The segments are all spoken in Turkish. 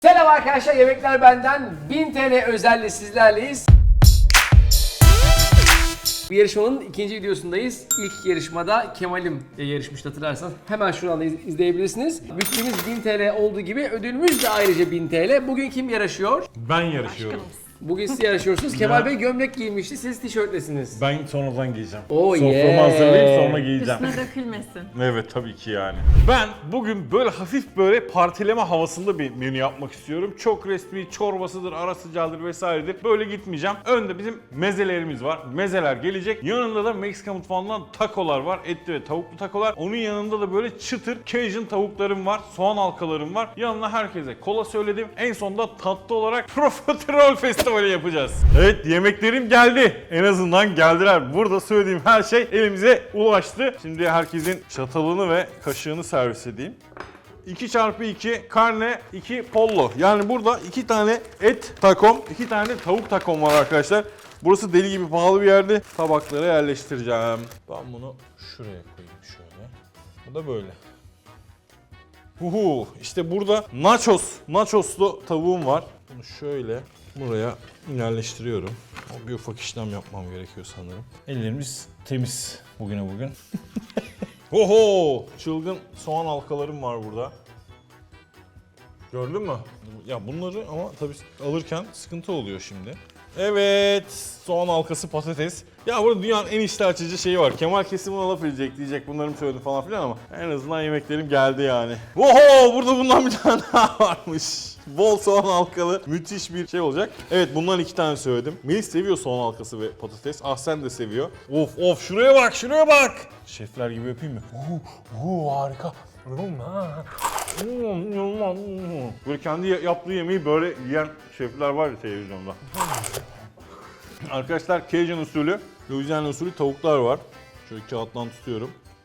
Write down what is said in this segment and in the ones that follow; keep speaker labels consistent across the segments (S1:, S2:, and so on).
S1: Selam arkadaşlar, Yemekler Benden 1000 TL özelle sizlerleyiz. Bu yarışmanın ikinci videosundayız. İlk yarışmada Kemal'im yarışmıştı, hatırlarsanız. Hemen şuradan da izleyebilirsiniz. Bütçemiz 1000 TL olduğu gibi ödülümüz de ayrıca 1000 TL. Bugün kim yarışıyor?
S2: Ben yarışıyorum.
S1: Bugün siz yarışıyorsunuz. Kemal Bey gömlek giymişti, siz tişörtlesiniz.
S2: Ben sonradan giyeceğim.
S1: Oh
S2: Soframı
S1: yeah.
S2: hazırlayıp sonra giyeceğim.
S3: Üstüne dökülmesin.
S2: Evet tabii ki yani. Ben bugün böyle hafif böyle partileme havasında bir menü yapmak istiyorum. Çok resmi, çorbasıdır, ara sıcağıdır vesairedir. Böyle gitmeyeceğim. Önde bizim mezelerimiz var. Mezeler gelecek. Yanında da Meksika mutfağından takolar var. Etli ve tavuklu takolar. Onun yanında da böyle çıtır Cajun tavuklarım var. Soğan halkalarım var. Yanına herkese kola söyledim. En sonunda tatlı olarak Profiterol Festivali yapacağız. Evet, yemeklerim geldi. En azından geldiler. Burada söylediğim her şey elimize ulaştı. Şimdi herkesin çatalını ve kaşığını servis edeyim. 2x2 karne, 2 pollo. Yani burada 2 tane et takom, 2 tane tavuk takom var arkadaşlar. Burası deli gibi pahalı bir yerde. Tabaklara yerleştireceğim. Ben bunu şuraya koyayım şöyle. Bu da böyle. İşte burada nachoslu tavuğum var. Bunu şöyle buraya yerleştiriyorum. Bir ufak işlem yapmam gerekiyor sanırım. Ellerimiz temiz bugüne bugün. Çılgın soğan halkalarım var burada. Gördün mü? Ya bunları ama tabii alırken sıkıntı oluyor şimdi. Evet, soğan halkası patates. Ya burada dünyanın en iştah açıcı şeyi var. Kemal kesin buna laf edecek, diyecek bunları mı söyledim falan filan ama en azından yemeklerim geldi yani. Burada bundan bir tane daha varmış. Bol soğan halkalı müthiş bir şey olacak. Evet, bundan 2 tane söyledim. Melis seviyor soğan halkası ve patates. Ahsen de seviyor. Şuraya bak. Şefler gibi yapayım mı? Harika. Böyle kendi yaptığı yemeği böyle yiyen şefler var ya televizyonda. Arkadaşlar Cajun usulü, Louisiana usulü tavuklar var. Şöyle kağıttan tutuyorum.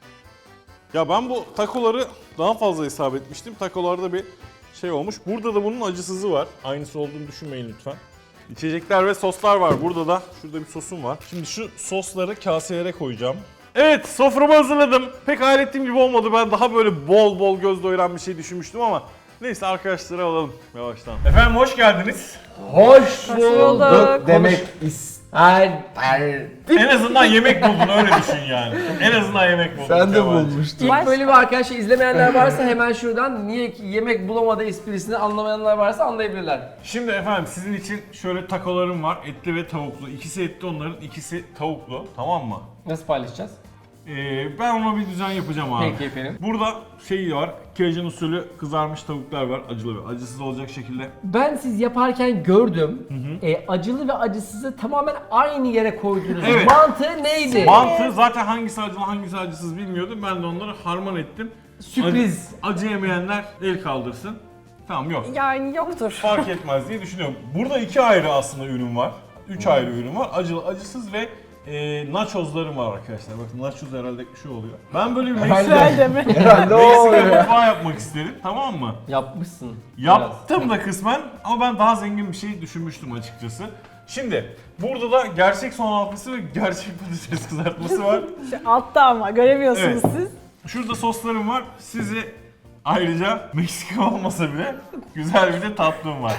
S2: Ya ben bu takoları daha fazla hesap etmiştim. Takolarda bir şey olmuş. Burada da bunun acısızı var. Aynısı olduğunu düşünmeyin lütfen. İçecekler ve soslar var. Burada da şurada bir sosum var. Şimdi şu sosları kaselere koyacağım. Evet, soframı hazırladım. Pek hayal ettiğim gibi olmadı. Ben daha böyle bol bol göz doyuran bir şey düşünmüştüm ama neyse, arkadaşları alalım yavaştan. Efendim hoş geldiniz.
S1: Hoş
S3: bulduk
S1: demek isterdim.
S2: En azından yemek buldun, öyle düşün yani. En azından yemek buldun.
S4: Sen de
S2: Kemal'cim.
S4: bulmuştun.
S1: İlk bölümü arkadaşlar izlemeyenler varsa hemen şuradan niye ki yemek bulamadı esprisini anlamayanlar varsa anlayabilirler.
S2: Şimdi efendim sizin için şöyle takolarım var. Etli ve tavuklu. İkisi etli onların, ikisi tavuklu. Tamam mı?
S1: Nasıl paylaşacağız?
S2: Ben ona bir düzen yapacağım abi.
S1: Peki efendim.
S2: Burada şey var. Cajun usulü kızarmış tavuklar var. Acılı ve acısız olacak şekilde.
S1: Ben siz yaparken gördüm. Acılı ve acısızı tamamen aynı yere koydunuz.
S2: Evet.
S1: Mantığı neydi?
S2: Mantı zaten hangisi acılı hangisi acısız bilmiyordum. Ben de onları harman ettim.
S1: Sürpriz.
S2: Acı yemeyenler el kaldırsın. Tamam, yok.
S3: Yani yoktur.
S2: Fark etmez diye düşünüyorum. Burada 2 ayrı aslında ürün var. 3 ayrı ürün var. Acılı, acısız ve nachoslarım var arkadaşlar. Bakın nachos herhalde şu oluyor. Ben böyle bir
S3: Güzel mi?
S4: Herhalde o
S2: Meksika
S4: oluyor.
S2: mutfağı yapmak istedim. Tamam mı?
S1: Yapmışsın.
S2: Yaptım da kısmen ama ben daha zengin bir şey düşünmüştüm açıkçası. Şimdi burada da gerçek soğan halkası ve gerçek patates kızartması var.
S3: Şu altta ama göremiyorsunuz
S2: Evet.
S3: siz.
S2: Şurada soslarım var. Sizi ayrıca Meksika olmasa bile güzel bir de tatlım var.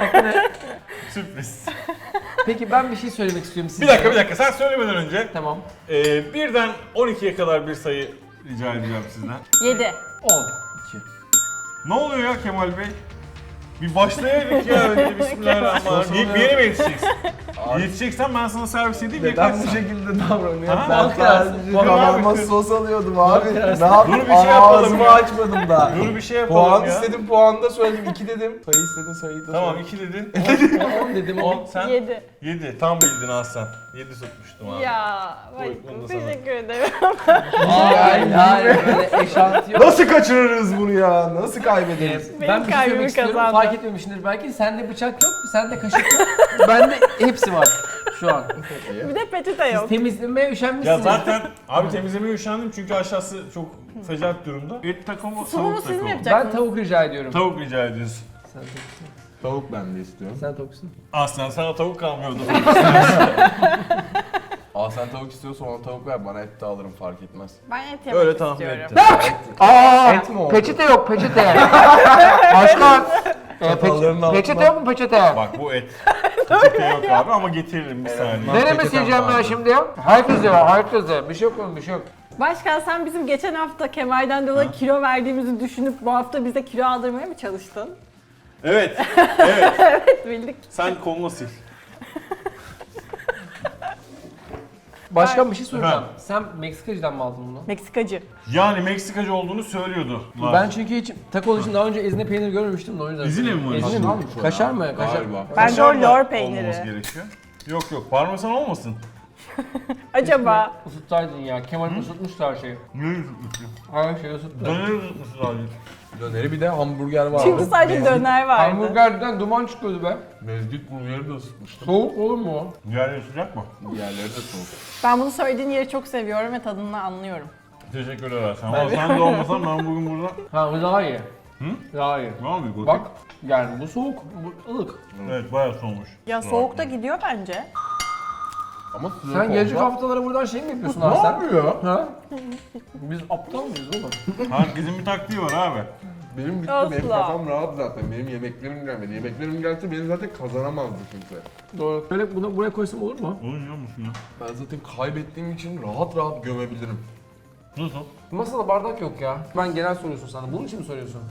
S2: Sürpriz.
S1: Peki ben bir şey söylemek istiyorum size.
S2: Bir dakika. Sen söylemeden önce
S1: Tamam.
S2: birden 12'ye kadar bir sayı rica edeceğim sizden.
S3: 7.
S1: 10.
S2: Ne oluyor ya Kemal Bey? Bir başlayalım ya önce, bismillahirrahmanirrahim. Bir yere mi yetişeceksin? Yetişeceksen ben sana servis edeyim.
S4: Neden
S2: yakarsın.
S4: bu şekilde davranıyor?
S2: Ha?
S4: Ben
S1: Korkarsın.
S4: sadece
S2: Korkar
S4: kanalıma
S2: mısın?
S4: sos alıyordum abi. Ne
S2: Dur
S4: yapayım?
S2: bir şey yapalım
S4: Ağzımı
S2: ya.
S4: açmadım daha.
S2: Dur bir şey yapalım
S4: Puan
S2: ya.
S4: istedim, puan da söyledim. 2 dedim. Sayı istedin, sayıyı da
S2: Tamam,
S4: söyledim.
S2: 2 dedin.
S1: 10 dedim
S2: 10
S1: 10.
S2: sen?
S3: 7.
S2: 7. Tam bildin Aslan. 7 tutmuştum abi.
S3: Ya,
S2: Buyur, bunu da sana.
S3: teşekkür ederim.
S1: Hayır böyle eşantiyon.
S4: Nasıl kaçırırız bunu ya? Nasıl kaybederiz?
S1: Ben
S3: Benim
S1: bir şey
S3: kalbimi
S1: söylemek istiyorum.
S3: kazandı.
S1: Fark etmemişsindir belki. Sende bıçak yok, sende kaşık yok. Bende hepsi var şu an.
S3: Bir de peçete yok.
S1: Temizlemeye üşenmişsiniz.
S2: Ya zaten abi temizlemeye üşendim çünkü aşağısı çok fecat durumda. Et takomu,
S3: Sunumu
S2: tavuk
S3: siz mi
S2: takomu.
S3: yapacaksınız?
S1: Ben tavuk rica ediyorum.
S2: Tavuk rica ediyorsun.
S1: Sen tavuksun.
S4: Tavuk ben de istiyorum.
S1: Sen tavuksun.
S2: Aslan sana tavuk kalmıyordu.
S4: Aa, sen tavuk istiyorsan ona tavuk ver, bana et de alırım, fark etmez.
S3: Ben et yemek
S2: Öyle tahmin
S3: istiyorum.
S2: ettim.
S1: Aa,
S4: Et mi oldu?
S1: peçete yok peçete. Başkan.
S4: Çatalların altına.
S1: Peçete yok mu peçete?
S2: Bak bu et. Peçete yok abi ama getiririm bir saniye.
S1: Nereye
S4: peçetem
S1: sileceğim ben
S4: vardı.
S1: şimdi ya? Herkes ya, herkes ya. Bir şey yok oğlum, bir şey yok.
S3: Başkan sen bizim geçen hafta Kemal'den dolayı kilo verdiğimizi düşünüp bu hafta bize kilo aldırmaya mı çalıştın?
S2: Evet. Evet.
S3: Evet bildik.
S2: Sen kolunu sil.
S1: Başkan bir şey soracağım.
S2: Efendim?
S1: Sen Meksikacı'dan mı aldın bunu?
S3: Meksikacı.
S2: Yani Meksikacı olduğunu söylüyordu.
S1: Ben çünkü hiç taco için daha önce ezine peynir görmemiştim de o yüzden.
S2: Ezine mi var?
S1: Ezine mi?
S4: Nasıl o
S1: Kaşar
S4: ya?
S1: mı? Kaşar.
S4: Galiba.
S3: Bence o
S2: Kaşar da
S3: lor peyniri.
S2: olmaması gerekiyor. Yok yok parmesan olmasın.
S3: Acaba
S1: Isıttaydın ya. Kemal ısıtmıştı her şeyi.
S2: Ne tutmuşsun?
S1: Her şeyi ısıttı.
S2: Döner tutmuşsun abi.
S4: Döneri bir de hamburger vardı.
S3: çünkü sadece döner vardı.
S1: Hamburgerden duman çıkıyordu be.
S4: Mezgit burgeri de ısıtmıştım.
S1: Soğuk olur mu o?
S2: Diğerleri sıcak mı?
S4: Diğerleri de soğuk.
S3: Ben bunu söylediğin yeri çok seviyorum ve tadını anlıyorum.
S2: Teşekkürler Hasan. Ama sen de olmasan ben bugün burada...
S1: Ha bu daha iyi.
S2: Hı?
S1: Daha iyi.
S2: Var mı bir
S1: Bak yani bu soğuk, bu ılık.
S2: Evet bayağı soğumuş.
S3: Ya soğukta gidiyor bence.
S4: Ama sıcak
S1: Sen gelecek
S4: olsa-
S1: haftalara buradan şey mi yapıyorsun
S4: Ne
S1: abi sen?
S4: yapıyor?
S1: Ha? Biz aptal mıyız oğlum?
S2: Herkesin bir taktiği var abi.
S4: Benim gitti,
S3: Asla.
S4: benim kafam rahat zaten. Benim yemeklerim gelmedi. Yemeklerim gelse beni zaten kazanamazdı kimse.
S1: Doğru. Böyle bunu buraya koysam olur mu?
S2: Oynuyor musun ya?
S4: Ben zaten kaybettiğim için rahat rahat gömebilirim.
S2: Nasıl?
S1: Masada bardak yok ya. Ben genel soruyorsun sana. Bunun için mi soruyorsun?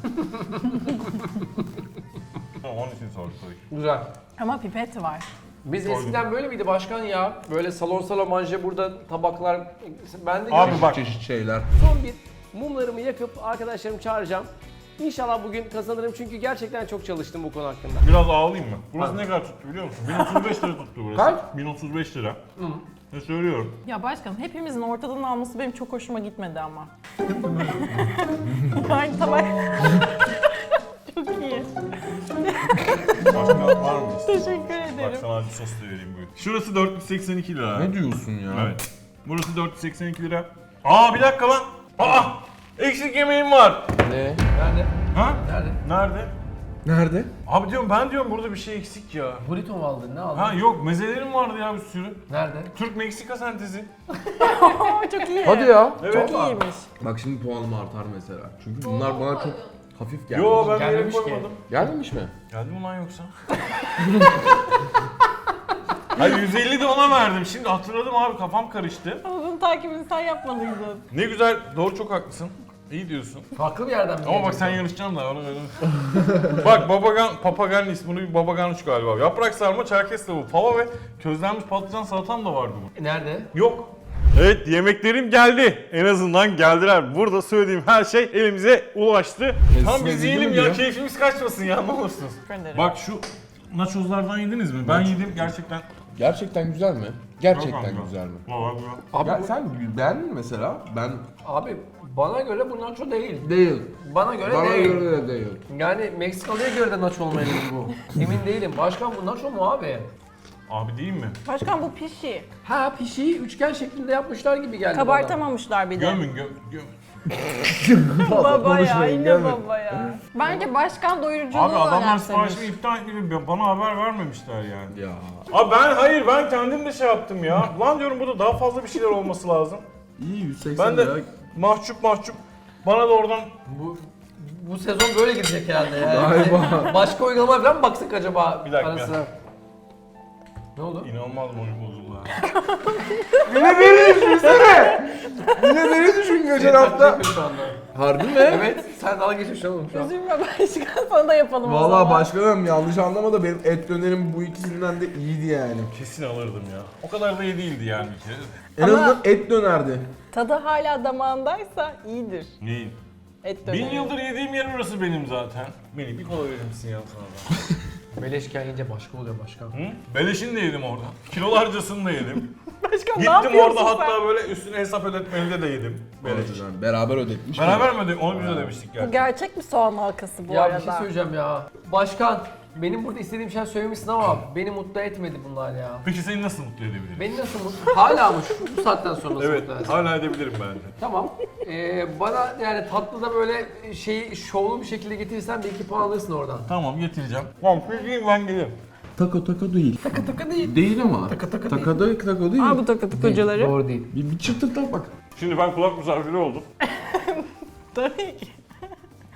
S2: Onun için sorduk tabii ki.
S1: Güzel.
S3: Ama pipet var.
S1: Biz eskiden böyle miydi başkan ya? Böyle salon salamanje burada tabaklar. Ben de
S2: Abi bak.
S4: Çeşit şeyler.
S1: son bir mumlarımı yakıp arkadaşlarımı çağıracağım. İnşallah bugün kazanırım çünkü gerçekten çok çalıştım bu konu hakkında.
S2: Biraz ağlayayım mı? Burası
S1: Hadi.
S2: ne kadar tuttu biliyor musun? 1035 lira tuttu burası.
S1: Kaç?
S2: 1035 lira. Ne söylüyorum?
S3: Ya başkanım hepimizin ortadan alması benim çok hoşuma gitmedi ama. Aynı tabak. Çok iyi.
S2: Başka var mı?
S3: Teşekkür
S2: Bak
S3: ederim.
S2: sana acı sos da vereyim buyur. Şurası 482 lira.
S4: Ne diyorsun ya?
S2: Evet. Burası 482 lira. Aa bir dakika lan. Aa! Eksik yemeğim var.
S4: Ne?
S1: Nerede?
S2: Ha?
S1: Nerede?
S2: Nerede?
S4: Nerede?
S2: Abi diyorum ben diyorum burada bir şey eksik ya.
S1: Burrito mu aldın? Ne aldın?
S2: Ha yok mezelerim vardı ya bir sürü.
S1: Nerede?
S2: Türk-Meksika sentezi.
S3: Aa, çok iyi.
S4: Hadi ya.
S2: Evet.
S3: Çok iyiymiş.
S4: Bak şimdi puanım artar mesela. Çünkü bunlar bana çok hafif geldi.
S2: Yo ben bir yere
S1: Gelmemiş ki.
S2: koymadım.
S4: Gelmemiş mi?
S2: Geldi mi lan yoksa? Hayır 150 de ona verdim. Şimdi hatırladım abi kafam karıştı.
S3: Ama bunun takibini sen yapmalıydın.
S2: Ne güzel doğru çok haklısın. İyi diyorsun.
S1: Farklı bir yerden mi
S2: Ama bak
S1: gelecek
S2: sen
S1: bu?
S2: yarışacaksın da ona göre. Bak papagan ismi bir babaganış galiba. Yaprak sarma, çerkez tavuğu, fava ve közlenmiş patlıcan salatam da vardı bu.
S1: Nerede?
S2: Yok. Evet yemeklerim geldi. En azından geldiler. Burada söylediğim her şey elimize ulaştı. Tam biz
S4: edildi
S2: yiyelim
S4: mi
S2: ya
S4: diyor?
S2: keyfimiz kaçmasın ya ne olursunuz.
S3: Teşekkür ederim.
S2: Bak şu nachoslardan yediniz mi? Ben yedim gerçekten.
S4: Gerçekten güzel mi?
S2: Çok
S4: Gerçekten
S2: güzel.
S4: güzel mi?
S2: Valla güzel.
S1: Abi,
S4: Ya sen beğendin mi mesela? Ben
S1: abi bana göre bu nacho değil.
S4: değil.
S1: Bana göre
S4: Bana
S1: değil.
S4: göre de değil.
S1: Yani Meksikalı'ya göre de nacho olmayabilir bu. Emin değilim. Başkan bu nacho mu abi?
S2: Abi değil mi?
S3: Başkan bu pişi.
S1: Ha pişiyi üçgen şeklinde yapmışlar gibi geldi
S3: Kabartamamışlar bir de.
S2: Gömün göm.
S3: Baba ya
S4: konuşmayın,
S3: yine
S4: gelme.
S3: baba ya. Bence başkan doyuruculuğu
S2: Abi adamlar
S3: önemsemiş.
S2: siparişimi iptal etmedi. Bana haber vermemişler yani.
S4: Ya.
S2: Abi ben kendim de şey yaptım ya. Lan diyorum burada daha fazla bir şeyler olması lazım.
S4: İyi 180
S2: Ben de
S4: lira.
S2: mahcup bana da oradan
S1: Bu sezon böyle gidecek herhalde ya.
S4: Galiba.
S1: Başka uygulama falan mı baksak acaba
S2: Bir dakika.
S1: arasına? Ne oldu?
S2: inanılmaz oyun bozuldu ha.
S4: Yine beni düşünsene. Yine beni düşün geçen hafta.
S1: Şu anda.
S4: Harbi mi?
S1: Evet, sen dalga geçiyorsun oğlum şu an.
S3: Üzülme başkan sana da yapalım o
S4: Vallahi
S3: zaman.
S4: başkanım yanlış anlama da benim et dönerim bu ikisinden de iyiydi yani.
S2: Kesin alırdım ya. O kadar da iyi değildi yani bir kere.
S4: En
S3: Ama-
S4: azından et dönerdi.
S3: Tadı hala damağındaysa iyidir.
S2: Neyin?
S3: Et döneri.
S2: 1000 yıldır yediğim yer orası benim zaten. Melih bir kola verir misin ya sana da?
S1: Beleşken yiyince başka oluyor başkan.
S2: Hı? Beleşini de yedim orada. Kilolarcasını da yedim.
S3: Başkan ne
S2: Gittim
S3: yapıyorsun
S2: orada
S3: sen?
S2: hatta böyle üstüne hesap ödetmeli de yedim. Beleş.
S4: Yani beraber ödetmiş.
S2: Beraber mi ödedik? Onu biz ödemiştik
S3: Bu
S2: gerçi.
S3: gerçek bir soğan halkası bu
S1: Ya
S3: arada.
S1: bir şey söyleyeceğim ya. Başkan, benim burada istediğim şey söylemişsin ama beni mutlu etmedi bunlar ya.
S2: Peki seni nasıl mutlu edebilirim?
S1: Beni nasıl mutlu? Hala mı? Bu saatten sonra nasıl
S2: Evet,
S1: mutlu edersin?
S2: hala edebilirim bence.
S1: Tamam. Bana yani tatlıda böyle şeyi şovlu bir şekilde getirirsen belki puan alırsın oradan.
S2: Tamam getireceğim. Tamam peki ben gelirim.
S4: Taka taka değil.
S1: Taka taka değil.
S4: Değil ama.
S1: Taka taka
S4: Taka değil. Taka değil.
S3: Aa bu takatı kocaları.
S1: Doğru değil.
S4: Bir çıtırtlat bak.
S2: Şimdi ben kulak misafiri oldum.
S3: Tabii ki.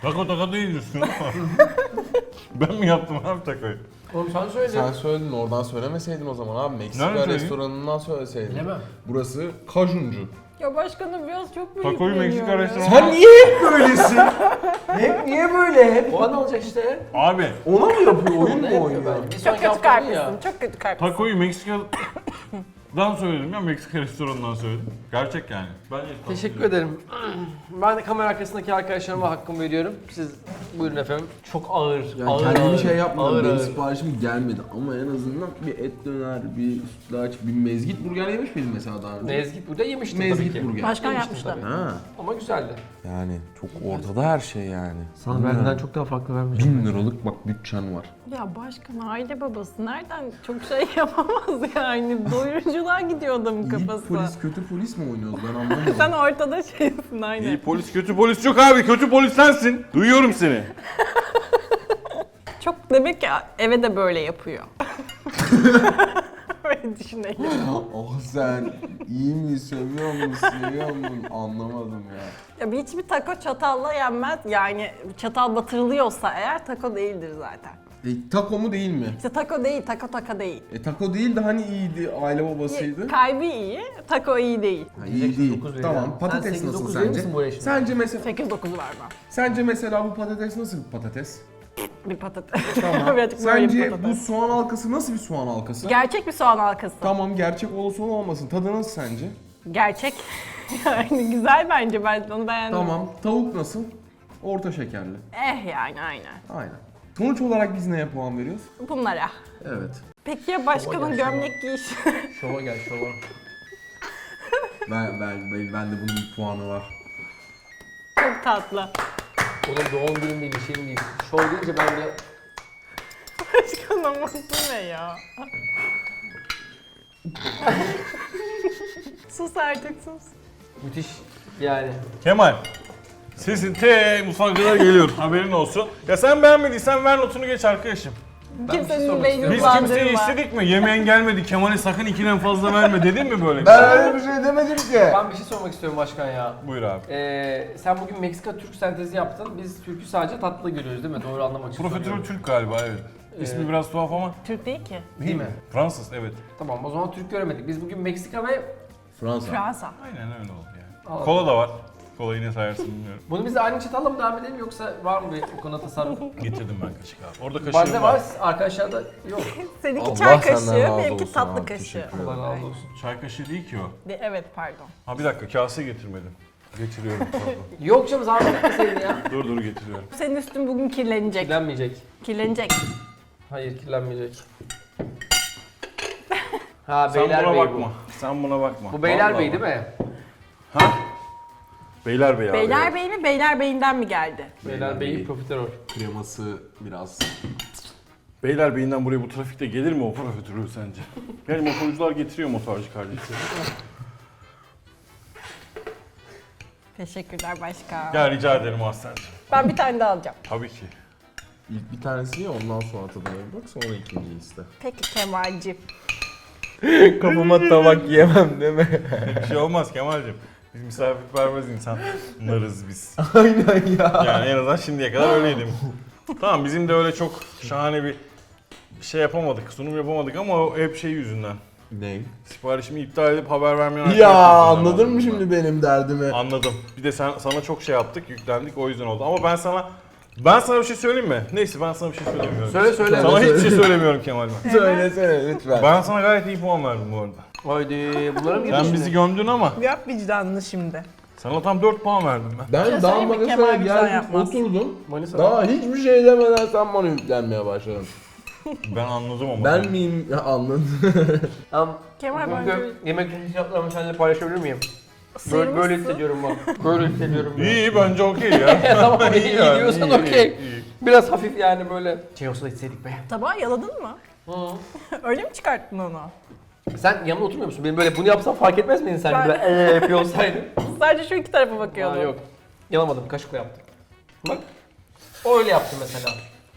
S2: Tako değil diyorsun ama. Ben mi yaptım abi takoyu?
S1: Oğlum sen söyledin.
S4: Sen söyledin, oradan söylemeseydin o zaman abi. Meksika
S2: Nereden söyleyeyim?
S4: restoranından söyleseydin.
S1: Bilemem.
S4: Burası Kajuncu.
S3: Ya başkanım biraz çok büyük
S2: Takoyu
S3: geliyor
S2: Meksika
S3: ya.
S2: restoranı.
S4: Sen niye hep böylesin? Hep niye böyle? Hep
S1: O an olacak işte.
S2: Abi
S4: ona mı yapıyor? Oyun
S1: Ne
S4: mu
S1: yapıyor
S4: oynuyor?
S1: bence? Bir
S3: Çok
S1: sonraki
S3: kötü
S1: hafta değil ya.
S3: kalplisin, çok kötü kalplisin.
S2: takoyu Meksika'dan söyledim ya, Meksika restoranından söyledim. Gerçek yani. Bence
S1: Teşekkür ederim. Ben de kamera arkasındaki arkadaşlarıma hakkımı veriyorum. Siz buyurun efendim. Çok ağır,
S4: Yani
S1: ağır,
S4: kendimi
S1: ağır.
S4: şey yapmadım,
S1: Ağır,
S4: benim
S1: ağır.
S4: siparişim gelmedi ama en azından bir et döner, bir sütlaç, bir mezgit burger yemiş miydin mesela daha önce?
S1: Mezgit burada yemiştim tabii
S4: Mezgit
S1: ki.
S4: burger.
S3: Başkan
S1: Yemiştim
S3: yapmıştı.
S1: tabii.
S4: Ha.
S1: Ama güzeldi.
S4: Yani çok ortada her şey yani.
S1: Sana verdiğinden çok daha farklı vermeyeceğim.
S4: 1000 liralık bak bütçen var.
S3: Ya başkan aile babası nereden çok şey yapamaz yani. Doyuruculuğa gidiyor adamın
S4: İyi
S3: kafası.
S4: polis, kötü polis mi oynuyoruz ben anlamadım.
S3: Sen ortada şeysin aynen.
S2: İyi polis, kötü polis yok abi. Kötü polis sensin. Duyuyorum seni.
S3: Çok demek ki eve de böyle yapıyor. Öyle düşünelim.
S4: Oh sen iyi mi, seviyor musun, seviyor musun anlamadım ya.
S3: Ya hiçbir taco çatalla yenmez. Yani çatal batırılıyorsa eğer taco değildir zaten.
S4: Taco mu değil mi?
S3: İşte taco değil, taco değil.
S4: Taco değil de hani iyiydi, aile babasıydı.
S3: Kalbi iyi, taco iyi değil.
S4: Ha, iyi değil.
S1: 9 veriyor.
S4: Tamam,
S1: Sen
S4: patates
S1: 8,
S4: nasıl
S1: 9 verir
S4: sence?
S1: misin buraya şimdi?
S4: Sence mesela bu patates nasıl bir patates?
S3: Bir patates.
S4: Tamam.
S3: Birazcık böyle bir
S4: Sence
S3: patates.
S4: bu soğan halkası nasıl bir soğan halkası?
S3: Gerçek bir soğan halkası.
S4: Tamam, gerçek olsun olmasın. Tadı nasıl sence?
S3: Gerçek. Yani güzel bence, ben onu beğendim.
S4: Tamam. Tavuk nasıl? Orta şekerli.
S3: Yani aynen.
S4: Aynen. Sonuç olarak biz neye puan veriyoruz?
S3: Bunlara.
S4: Evet.
S3: Peki ya başkanın gömlek giyişi?
S1: Şova gel şova.
S4: Ben de bunun bir puanı var.
S3: Çok tatlı.
S1: Oğlum doğum günüm değil, bir şeyim değil. Şov deyince ben de...
S3: Başkan ama bu ne ya? Sus artık sus.
S1: Müthiş yani.
S2: Kemal. Sesin mutfağa kadar geliyor. Haberin olsun. Ya sen beğenmediysen ver notunu geç arkadaşım.
S1: bir şey
S3: Kimsenin
S1: sormak
S3: beynini
S2: Biz
S1: istiyorum.
S2: kimseye
S3: bulandırma.
S2: istedik mi? Yemeğin gelmedi. Kemal'e sakın 2'den fazla verme dedin mi böyle?
S4: öyle bir şey demedim ki.
S1: Ben bir şey sormak istiyorum başkan ya.
S2: Buyur abi.
S1: Sen bugün Meksika-Türk sentezi yaptın. Biz Türk'ü sadece tatlı görüyoruz değil mi? Doğru anlamak için
S2: Profiterol
S1: soruyorum.
S2: Türk galiba, evet. İsmi biraz tuhaf ama
S3: Türk değil ki.
S1: Değil mi?
S2: Fransız, evet.
S1: Tamam o zaman Türk göremedik. Biz bugün Meksika ve...
S4: Fransa.
S3: Fransa.
S2: Aynen öyle oldu yani.
S1: Allah.
S2: Kola da var. Kolayı ne sayarsın bilmiyorum.
S1: Bunu biz de aynı çatalla mı devam edelim yoksa var mı bir bu konuda tasarruf?
S2: Getirdim ben kaşık abi. Orada kaşığım
S1: Bende
S2: var.
S1: var, arkadaşlarda yok.
S3: Seninki
S4: Allah
S3: çay
S4: senden
S3: kaşığı,
S4: razı
S3: benimki
S4: olsun
S3: tatlı
S4: abi,
S3: kaşığı.
S4: teşekkür ederim.
S1: Allah razı olsun.
S2: Çay kaşığı değil ki o.
S3: Evet pardon.
S2: Ha bir dakika, kase getirmedim. Getiriyorum. pardon.
S1: Yok canım zahmet etmeseydin ya.
S2: dur getiriyorum.
S3: Senin üstün bugün kirlenecek.
S1: Kirlenmeyecek.
S3: Kirlenecek.
S1: Hayır kirlenmeyecek. Ha
S2: Sen
S1: Beyler
S2: buna
S1: Bey
S2: bakma.
S1: bu.
S2: Sen buna bakma.
S1: Bu Beyler
S2: Vallahi
S1: Bey değil
S2: bak.
S1: mi?
S2: Beyler Bey abi.
S3: Beyler Bey mi, Beyler Bey'inden mi geldi?
S1: Beyler Bey'i profiterol.
S4: Kreması biraz.
S2: Beyler Bey'inden buraya bu trafikte gelir mi o profiterol sence? Yani motorcular getiriyor motorcu kardeşleri.
S3: Teşekkürler başkan.
S2: Gel rica ederim Aslan'cığım.
S3: Ben bir tane daha alacağım.
S2: Tabii ki.
S4: İlk bir tanesi ye, ondan sonra tadına bir bak, sonra ikinciyi iste.
S3: Peki Kemal'cim.
S4: Kafama tabak yiyemem değil mi?
S2: Bir şey olmaz Kemal'cim. Biz misafirperver insanlarız biz.
S4: Aynen ya.
S2: Yani en azından şimdiye kadar öyleydim. Tamam, bizim de öyle çok şahane bir şey yapamadık, sunum yapamadık ama o hep şey yüzünden.
S4: Ne?
S2: Siparişimi iptal edip haber vermeyen
S4: Ya
S2: arkadaşlar yüzünden
S4: anladın mı
S2: oldu
S4: şimdi benim derdimi?
S2: Anladım. Bir de sana çok şey yaptık, yüklendik, o yüzden oldu. Ama ben sana bir şey söyleyeyim mi? Neyse, ben sana bir şey söylemiyorum.
S1: Söyle söyle.
S2: Sana
S4: Söyle.
S2: hiçbir şey söylemiyorum Kemal ben.
S4: Söylesene lütfen.
S2: Ben sana gayet iyi puan verdim bu arada.
S1: Haydi bunlara mı
S2: Sen
S1: girdin
S2: bizi
S1: şimdi?
S2: gömdün ama
S3: Yap vicdanını şimdi.
S2: sana tam 4 puan verdim ben.
S4: Ben
S3: şey
S4: daha
S3: söyleyeyim mi?
S4: Manisa'ya
S3: Kemal güzel
S4: geldim,
S3: yapmaz.
S4: oturdum.
S1: Manisa.
S4: Daha hiçbir şey demeden sen bana yüklenmeye başladın.
S2: Ben anladım ama.
S4: Ben miyim? Ya, anladın.
S1: Tamam.
S3: Kemal
S1: Bugün
S3: bence
S1: yemek hissiyatlarımı seninle paylaşabilir miyim? Böyle
S3: sıyırmışsın.
S1: hissediyorum ben. Böyle hissediyorum ben.
S2: İyi, bence okey ya.
S1: Tamam iyi
S2: yani,
S1: diyorsan
S2: iyi,
S1: okey.
S2: iyi.
S1: Biraz hafif yani böyle. Şey olsa da içseydik be.
S3: Tabağı yaladın mı? Öyle mi çıkarttın onu?
S1: Sen yanımda oturmuyor musun? Benim böyle bunu yapsam fark etmez miydin sen?
S3: Ben-
S1: Böyle yapıyor olsaydın.
S3: Sadece şu iki tarafa
S1: Aa,
S3: bakıyordum.
S1: yok. Yalamadım, kaşıkla yaptım. Bak. O öyle yaptı mesela.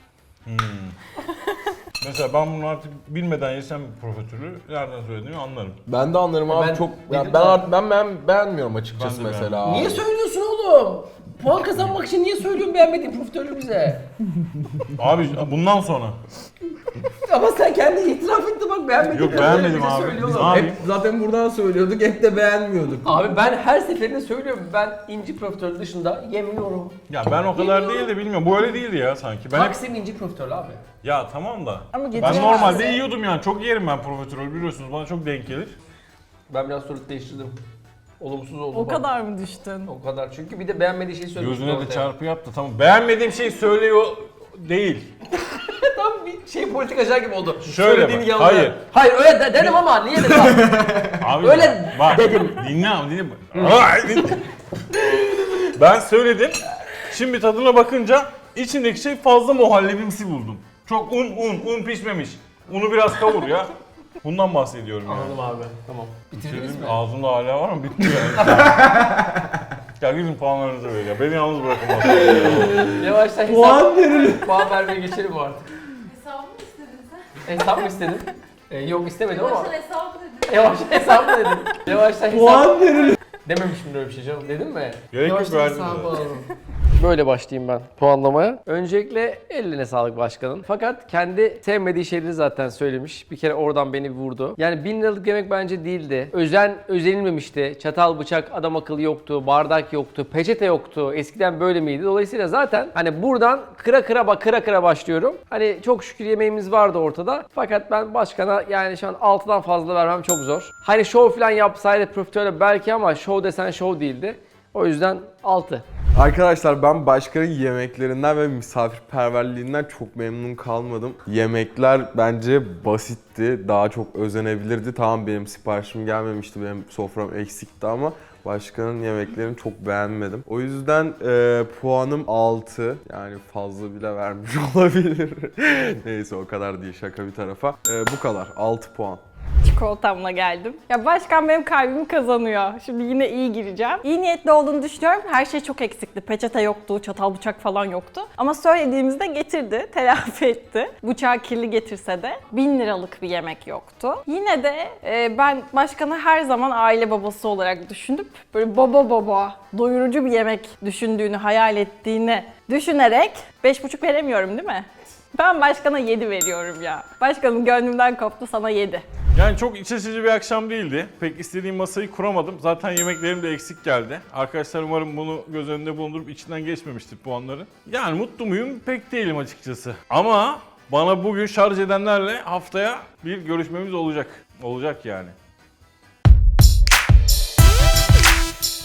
S2: Mesela ben bunu artık bilmeden yesem profiterolü nereden söylediğimi anlarım.
S4: Ben de anlarım abi
S1: Ben
S4: çok.
S1: dedim
S4: Ya
S1: de-
S4: ben beğenmiyorum açıkçası
S2: Ben de
S4: mesela.
S1: Niye
S4: abi.
S1: söylüyorsun oğlum? puan kazanmak için niye söylüyorsun beğenmediğin profiterolü bize?
S2: Abi bundan sonra.
S1: Ama sen kendi itiraf ettin bak beğenmediğin
S2: Yok,
S1: profiterolü
S2: beğenmedim
S1: bize
S2: abi.
S1: söylüyorlar.
S2: Ne yapayım?
S4: Hep zaten buradan söylüyorduk, hep de beğenmiyorduk.
S1: Abi ben her seferinde söylüyorum ben inci profiterol dışında yemiyorum.
S2: Ya ben o kadar değil de bilmiyorum. Bu öyle değildi ya sanki. Ben hep...
S1: Taksim inci profiterol abi.
S2: Ya tamam da.
S3: Ama
S2: Ben
S3: getiremezsin.
S2: normalde yiyordum yani. Çok yerim ben profiterol biliyorsunuz. Bana çok denk gelir.
S1: Ben biraz soru değiştirdim. Olumsuz oldu.
S3: O
S1: bak.
S3: kadar mı düştün?
S1: O kadar. Çünkü bir de beğenmediği şeyi söylüyorsun.
S2: Gözüne de
S1: ortaya.
S2: çarpı yaptı. Tamam. Beğenmediğim şey söylüyor değil.
S1: Tam bir şey politikacı gibi oldu.
S2: Şöyle
S1: Söylediğini
S2: bak,
S1: yalan.
S2: hayır.
S1: Hayır öyle dedim ama niye dedim abi?
S2: Abi
S1: Öyle
S2: bak,
S1: dedim.
S2: Dinle ama dinle. Ay, dinle. Ben söyledim. Şimdi tadına bakınca içindeki şey fazla muhallebimsi buldum. Çok un pişmemiş. Unu biraz kavur ya. Bundan bahsediyorum yani.
S1: Anladım abi. Tamam. Bitirdiniz mi?
S2: Ağzımda hala var mı? Bitti yani. Ya gidin puanlarınızı verin ya. Beni yalnız bırakın masada.
S1: Yavaştan
S4: Puan verin.
S1: Puan vermeye geçelim artık.
S5: Hesabı mı istedin sen?
S1: Hesap mı istedin? Yok istemedim ama.
S5: Baştan hesabı dedin.
S1: Yavaştan hesap mı dedim? Yavaştan hesap.
S4: Puan verin.
S1: Dememişim öyle bir şey canım. Dedim mi?
S2: Gerek yok,
S1: Yavaştan
S2: verdin
S1: hesabı
S2: zaten.
S1: alalım. Böyle başlayayım ben puanlamaya. Öncelikle eline sağlık başkanın. Fakat kendi sevmediği şeyleri zaten söylemiş. Bir kere oradan beni vurdu. Yani 1000 liralık yemek bence değildi. Özenilmemişti. Çatal, bıçak, adam akıllı yoktu. Bardak yoktu. Peçete yoktu. Eskiden böyle miydi? Dolayısıyla zaten hani buradan kıra başlıyorum. Hani çok şükür yemeğimiz vardı ortada. Fakat ben başkana yani şu an 6'dan fazla vermem çok zor. Hani show falan yapsaydı profiterole belki ama show desen show değildi. O yüzden 6.
S6: Arkadaşlar ben başkanın yemeklerinden ve misafirperverliğinden çok memnun kalmadım. Yemekler bence basitti, daha çok özenebilirdi. Tamam benim siparişim gelmemişti, benim sofram eksikti ama başkanın yemeklerini çok beğenmedim. O yüzden puanım 6. Yani fazla bile vermiş olabilir. Neyse o kadar değil, şaka bir tarafa. Bu kadar, 6 puan.
S3: Çikolatamla geldim. Ya başkan benim kalbimi kazanıyor. Şimdi yine iyi gireceğim. İyi niyetli olduğunu düşünüyorum. Her şey çok eksikti. Peçete yoktu, çatal bıçak falan yoktu. Ama söylediğimizde getirdi, telafi etti. Bıçağı kirli getirse de 1000 liralık bir yemek yoktu. Yine de ben başkanı her zaman aile babası olarak düşünüp böyle baba doyurucu bir yemek düşündüğünü, hayal ettiğini düşünerek 5,5 veremiyorum değil mi? Ben başkana 7 veriyorum ya. Başkanım gönlümden koptu, sana 7.
S2: Yani çok iç açıcı bir akşam değildi. Pek istediğim masayı kuramadım. Zaten yemeklerim de eksik geldi. Arkadaşlar umarım bunu göz önünde bulundurup içinden geçmemiştir puanları. Yani mutlu muyum? Pek değilim açıkçası. Ama bana bugün şarj edenlerle haftaya bir görüşmemiz olacak. Olacak yani.